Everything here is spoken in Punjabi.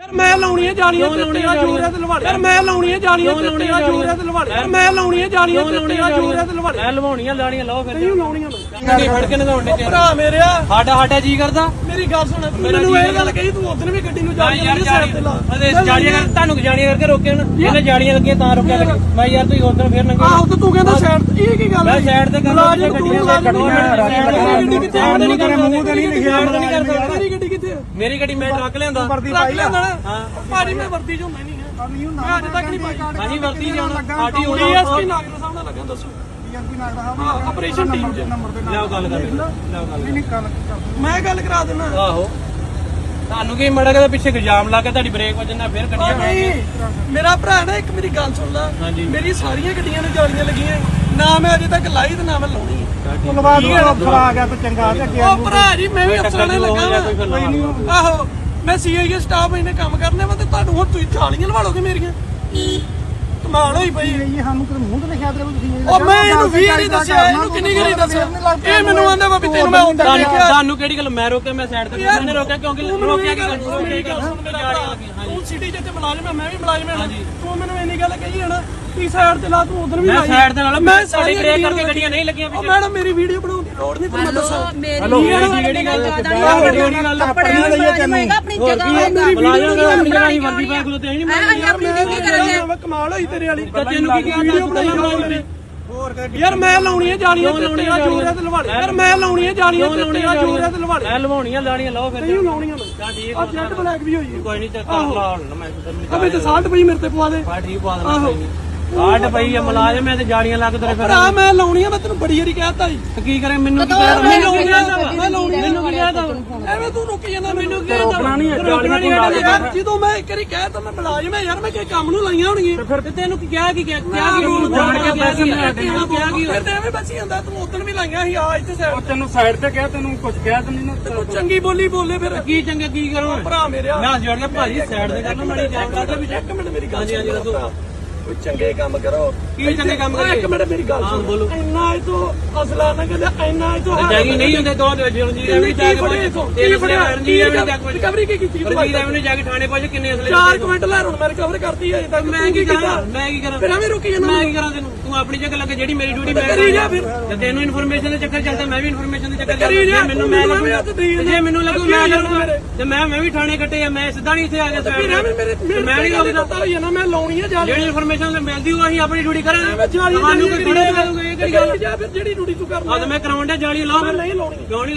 ਮੈਂ ਲਾਉਣੀਆਂ ਜਾਲੀਆਂ ਚਿੱਟੀਆਂ ਜੂਰੀਆਂ ਤੇ ਲਵਾੜੇ ਯਾਰ ਮੈਂ ਲਾਉਣੀਆਂ ਜਾਲੀਆਂ ਚਿੱਟੀਆਂ ਜੂਰੀਆਂ ਤੇ ਲਵਾੜੇ ਯਾਰ ਮੈਂ ਲਾਉਣੀਆਂ ਜਾਲੀਆਂ ਚਿੱਟੀਆਂ ਜੂਰੀਆਂ ਤੇ ਲਵਾੜੇ ਮੈਂ ਲਵਾਉਣੀਆਂ ਲਾਣੀਆਂ ਲਾਓ ਫਿਰ ਨਹੀਂ ਲਾਉਣੀਆਂ ਨਹੀਂ ਫੜ ਕੇ ਨਹਾਉਣ ਦੇ ਭਰਾ ਮੇਰਿਆ ਸਾਡਾ ਜੀ ਕਰਦਾ ਮੇਰੀ ਗੱਲ ਸੁਣ ਮੈਨੂੰ ਇਹ ਗੱਲ ਕਹੀ ਤੂੰ ਉਦੋਂ ਵੀ ਗੱਡੀ ਨੂੰ ਯਾਰ ਜਾਲੀਆਂ ਤੁਹਾਨੂੰ ਜਾਲੀਆਂ ਕਰਕੇ ਰੋਕਿਆ ਨਾ ਇਹਨੇ ਜਾਲੀਆਂ ਲੱਗੀਆਂ ਤਾਂ ਰੋਕਿਆ ਮੈਂ ਯਾਰ ਤੁਸੀਂ ਉਦੋਂ ਫਿਰ ਨੰਗੇ ਆਹੋ ਤੇ ਤੂੰ ਕਹਿੰਦਾ ਸਾਈਡ ਇਹ ਕੀ ਗੱਲ ਮੈਂ ਸਾਈਡ ਤੇ ਕਰਦਾ ਗੱਡੀਆਂ ਗੱਡੀ ਕਿੱਥੇ ਆ ਨਹੀਂ ਕਰ ਮੂੰਹ ਤੇ ਨਹੀਂ ਲਿਖਿਆ ਮੇਰੀ ਗੱਡੀ ਕਿੱਥੇ ਆ ਮੇਰੀ ਗੱਡੀ ਮੈਂ ਟਰੱਕ ਲਿਆਂਦਾ ਟਰੱਕ ਲਿਆਂਦਾ ਹਾਂ ਭਾਜੀ ਮੈਂ ਵਰਦੀ ਚ ਹੁੰਦਾ ਨਹੀਂ ਹੈ ਮੈਂ ਅੱਜ ਤੱਕ ਨਹੀਂ ਪਾਈ ਹਾਂਜੀ ਵਰਦੀ ਜਾਣਾ ਸਾਡੀ ਹੋਣੀ ਡੀਐਸਪੀ ਨਾਗਰ ਸਾਹਿਬ ਨਾਲ ਲੱਗਾ ਦੱਸੋ ਆਪਰੇਸ਼ਨ ਟੀਮ ਚ ਲਿਆਓ ਗੱਲ ਕਰ ਲਿਆਓ ਗੱਲ ਮੈਂ ਗੱਲ ਕਰਾ ਦਿੰਦਾ ਆਹੋ ਤੁਹਾਨੂੰ ਕੀ ਮੜਾ ਕੇ ਪਿੱਛੇ ਇਲਜ਼ਾਮ ਲਾ ਕੇ ਤੁਹਾਡੀ ਬ੍ਰੇਕ ਵੱਜਣ ਨਾਲ ਫਿਰ ਗੱਡੀਆਂ ਨਹੀਂ ਮੇਰਾ ਭਰਾ ਨਾ ਇੱਕ ਮੇਰੀ ਗੱਲ ਸੁਣ ਲਾ ਮੇਰੀ ਸਾਰੀਆਂ ਗੱਡੀਆਂ ਨੂੰ ਜਾਲੀਆਂ ਲੱਗੀਆਂ ਨਾ ਮੈਂ ਅਜੇ ਤੱਕ ਲਾਈ ਤੇ ਨਾ ਮੈਂ ਲਾਉਣੀ ਧੰਨਵਾਦ ਅਫਸਰ ਆ ਗਿਆ ਤੇ ਚੰਗਾ ਤੇ ਅੱਗੇ ਉਹ ਭਰਾ ਜੀ ਮੈਂ ਵੀ ਅਫਸਰਾਂ ਨੇ ਲੱਗਾ ਆਹੋ ਮੈਂ ਸੀਆਈਏ ਸਟਾਫ ਇਹਨੇ ਕੰਮ ਕਰਨੇ ਵਾ ਤੇ ਤੁਹਾਨੂੰ ਹੁਣ ਤੁਸੀਂ ਜਾਲੀਆਂ ਲਵਾ ਲੋਗੇ ਮੇਰੀਆਂ ਕਮਾਲ ਹੋਈ ਪਈ ਇਹ ਸਾਨੂੰ ਕਿਤੇ ਮੂੰਹ ਤੇ ਲਿਖਿਆ ਤੇ ਤੁਸੀਂ ਉਹ ਮੈਂ ਇਹਨੂੰ 20 ਵਾਰੀ ਦੱਸਿਆ ਇਹਨੂੰ ਕਿੰਨੀ ਵਾਰੀ ਦੱਸਿਆ ਇਹ ਮੈਨੂੰ ਆਂਦਾ ਵਾ ਵੀ ਤੈਨੂੰ ਮੈਂ ਹੁੰਦਾ ਤੁਹਾਨੂੰ ਕਿਹੜੀ ਗੱਲ ਮੈਂ ਰੋਕਿਆ ਮੈਂ ਸਾਈਡ ਤੇ ਮੈਨੇ ਰੋਕਿਆ ਕਿਉਂਕਿ ਰੋਕਿਆ ਤੂੰ ਸਿਟੀ ਚ ਤੇ ਮੁਲਾਜ਼ਮ ਮੈਂ ਵੀ ਮੁਲਾਜ਼ਮ ਹਾਂ ਤੂੰ ਮੈਨੂੰ ਇੰਨੀ ਗੱਲ ਕਹੀ ਹੈ ਨਾ ਤੀ ਸਾਈਡ ਤੇ ਲਾ ਤੂੰ ਉਧਰ ਵੀ ਮੈਂ ਲਾਈ ਸਾਈਡ ਦੇ ਨਾਲ ਮੈਂ ਸਾਡੀ ਬ੍ਰੇਕ ਕਰਕੇ ਗੱਡੀਆਂ ਨਹੀਂ ਲੱਗੀਆਂ ਉਹ ਮੈਡਮ ਮੇਰੀ ਵੀਡੀਓ ਬਣਾਉਣ ਦੀ ਲੋੜ ਨਹੀਂ ਤੁਹਾਨੂੰ ਦੱਸਾਂ ਹੈਲੋ ਕਿਹੜੀ ਗੱਲ ਕਿਹੜੀ ਗੱਲ ਆਪਣੀ ਲਈਏ ਤੈਨੂੰ ਆਪਣੀ ਜਗ੍ਹਾ ਬੁਲਾਇਆ ਆਪਣੀ ਜਗ੍ਹਾ ਹੀ ਵਰਦੀ ਪਾ ਖਲੋਤੇ ਨਹੀਂ ਅਸੀਂ ਆਪਣੀ ਡਿਊਟੀ ਕਰਾਂਗੇ ਮੈਂ ਕਮਾਲ ਹੋਈ ਤੇਰੇ ਵਾਲੀ ਤੈਨੂੰ ਕੀ ਕਿਹਾ ਵੀਡੀਓ ਬਣਾਈ ਯਾਰ ਮੈਂ ਲਾਉਣੀਆਂ ਜਾਲੀਆਂ ਚਿੱਟੀਆਂ ਜੂਰੀਆਂ ਤੇ ਲਵਾੜੇ ਯਾਰ ਮੈਂ ਲਾਉਣੀਆਂ ਜਾਲੀਆਂ ਚਿੱਟੀਆਂ ਜੂਰੀਆਂ ਤੇ ਲਵਾੜੇ ਮੈਂ ਲਵਾਉਣੀਆਂ ਲਾਣੀਆਂ ਲਾਓ ਫਿਰ ਨਹੀਂ ਲਾਉਣੀਆਂ ਮੈਂ ਤਾਂ ਠੀਕ ਆ ਜੈਟ ਬਲੈਕ ਵੀ ਹੋਈ ਕੋਈ ਨਹੀਂ ਚੱਕਰ ਲਾ ਹੁਣ ਮੈਂ ਅਬੇ ਤੇ 60 ਪਈ ਮੇਰੇ ਤੇ ਪਵਾ ਦੇ ਬਾ ਠੀਕ ਪਾ ਦੇਣਾ ਕੋਈ ਨਹੀਂ ਕਾਟ ਪਈ ਆ ਮੁਲਾਜ਼ਮ ਮੈਂ ਤੇ ਜਾਲੀਆਂ ਲੱਗ ਤੇਰੇ ਫਿਰ ਭਰਾ ਮੈਂ ਲਾਉਣੀਆਂ ਮੈਂ ਤੈਨੂੰ ਬੜੀ ਵਾਰੀ ਕਹਿਤਾ ਜੀ ਕੀ ਕਰੇ ਮੈਨੂੰ ਕੀ ਕਹਿ ਮੈਨੂੰ ਕੀ ਕਹਿਦਾ ਮੈਂ ਲਾਉਣੀਆਂ ਮੈਨੂੰ ਕੀ ਕਹਿਦਾ ਐਵੇਂ ਤੂੰ ਰੁਕ ਜਾਂਦਾ ਮੈਨੂੰ ਕੀ ਕਹਿਦਾ ਨਹੀਂ ਹੈ ਜਾਲੀਆਂ ਤੋਂ ਯਾਰ ਜਦੋਂ ਮੈਂ ਇੱਕ ਵਾਰੀ ਕਹਿਤਾ ਮੈਂ ਮੁਲਾਜ਼ਮ ਹੈ ਯਾਰ ਮੈਂ ਕਿਸੇ ਕੰਮ ਨੂੰ ਲਾਈਆਂ ਹੋਣਗੀਆਂ ਫਿਰ ਤੇ ਕਿਹਾ ਕੀ ਰੂਲ ਜਾਣ ਕੇ ਪੈਸੇ ਲੈ ਕੇ ਕਿਹਾ ਕੀ ਫਿਰ ਤੇ ਐਵੇਂ ਬਚੀ ਜਾਂਦਾ ਤੂੰ ਉਦੋਂ ਵੀ ਲਾਈਆਂ ਸੀ ਆ ਇੱਥੇ ਸਾਈਡ ਤੈਨੂੰ ਸਾਈਡ ਤੇ ਕਿਹਾ ਤੈਨੂੰ ਕੁਝ ਕਿਹਾ ਤੈਨੂੰ ਨਾ ਤੂੰ ਚੰਗੀ ਬੋਲੀ ਬੋਲੇ ਫਿਰ ਕੀ ਚੰਗਾ ਕੀ ਕਰੋ ਭਰਾ ਮੇਰਿਆ ਮੈਂ ਜੋੜ ਕੇ ਭਾਜੀ ਸਾਈਡ ਤੇ ਕਰਨਾ ਮਾੜੀ ਜਾ ਕਰਦਾ ਵੀ ਇੱਕ ਮਿੰਟ ਮੇਰੀ ਗੱਲ ਹਾਂਜੀ ਦੱਸੋ ਕੋਈ ਚੰਗੇ ਕੰਮ ਕਰੋ ਕੀ ਚੰਗੇ ਕੰਮ ਕਰੀਏ ਇੱਕ ਮਿੰਟ ਮੇਰੀ ਗੱਲ ਸੁਣ ਬੋਲੋ ਇੰਨਾ ਇਹ ਤੋਂ ਅਸਲਾ ਨਾ ਕਹਿੰਦੇ ਇੰਨਾ ਇਹ ਤੋਂ ਜਾਗੀ ਨਹੀਂ ਹੁੰਦੇ ਦੋ ਰਣਜੀਤ ਐਵੇਂ ਜਾ ਕੇ ਰਿਕਵਰੀ ਕੀ ਕੀਤੀ ਰਣਜੀਤ ਐਵੇਂ ਜਾ ਕੇ ਥਾਣੇ ਪਹੁੰਚ ਕਿੰਨੇ ਅਸਲੇ 4 ਕੁਇੰਟਲ ਲੈ ਹੁਣ ਮੈਂ ਰਿਕਵਰ ਕਰਤੀ ਹੈ ਤੱਕ ਮੈਂ ਕੀ ਕਰਾਂ ਫਿਰ ਐਵੇਂ ਰੁਕੀ ਜਾਂਦਾ ਮੈਂ ਕੀ ਕਰਾਂ ਤੈਨੂੰ ਤੂੰ ਆਪਣੀ ਜਗ੍ਹਾ ਲੱਗੇ ਜਿਹੜੀ ਮੇਰੀ ਡਿਊਟੀ ਮੈਂ ਕਰੀ ਜਾ ਫਿਰ ਤੇ ਤੈਨੂੰ ਇਨਫੋਰਮੇਸ਼ਨ ਦੇ ਚੱਕਰ ਚੱਲਦਾ ਮੈਂ ਵੀ ਇਨਫੋਰਮੇਸ਼ਨ ਦੇ ਚੱਕਰ ਕਰੀ ਜਾ ਮੈਨੂੰ ਮੈਂ ਜੇ ਮੈਨੂੰ ਲੱਗੂ ਮੈਂ ਕਰੂੰਗਾ ਤੇ ਮੈਂ ਵੀ ਥਾਣੇ ਕੱਟੇ ਆ ਮੈਂ ਸਿੱਧਾ ਨਹੀਂ ਇੱਥੇ ਆ ਗਿਆ ਫਿਰ ਐਵੇਂ ਮੇਰੇ ਮੈਂ ਨਹੀਂ ਗੱਲ ਪਤਾ ਹੋਈ ਨਾ ਮੈਂ ਲਾਉਣੀਆਂ ਜਾ ਜਿਹੜੀ ਇਨਫੋਰਮੇਸ਼ਨ ਮਿਲਦੀ ਉਹ ਅਸੀਂ ਆਪਣੀ ਡਿਊਟੀ ਕਰਾਂਗੇ ਜਾਲੀ ਤੁਹਾਨੂੰ ਕੋਈ ਥੋੜੇ ਮਿਲੂਗਾ ਇਹ ਕਿਹੜੀ ਗੱਲ ਜਾਂ ਫਿਰ ਜਿਹੜੀ ਡਿਊਟੀ ਤੂੰ ਕਰਨਾ ਆ ਤੇ ਮੈਂ ਕਰਾਉਣ ਡਿਆ ਜਾਲੀ ਲਾਓ ਨਹੀਂ ਲਾਉਣੀ ਕਿਉਂ ਨਹੀਂ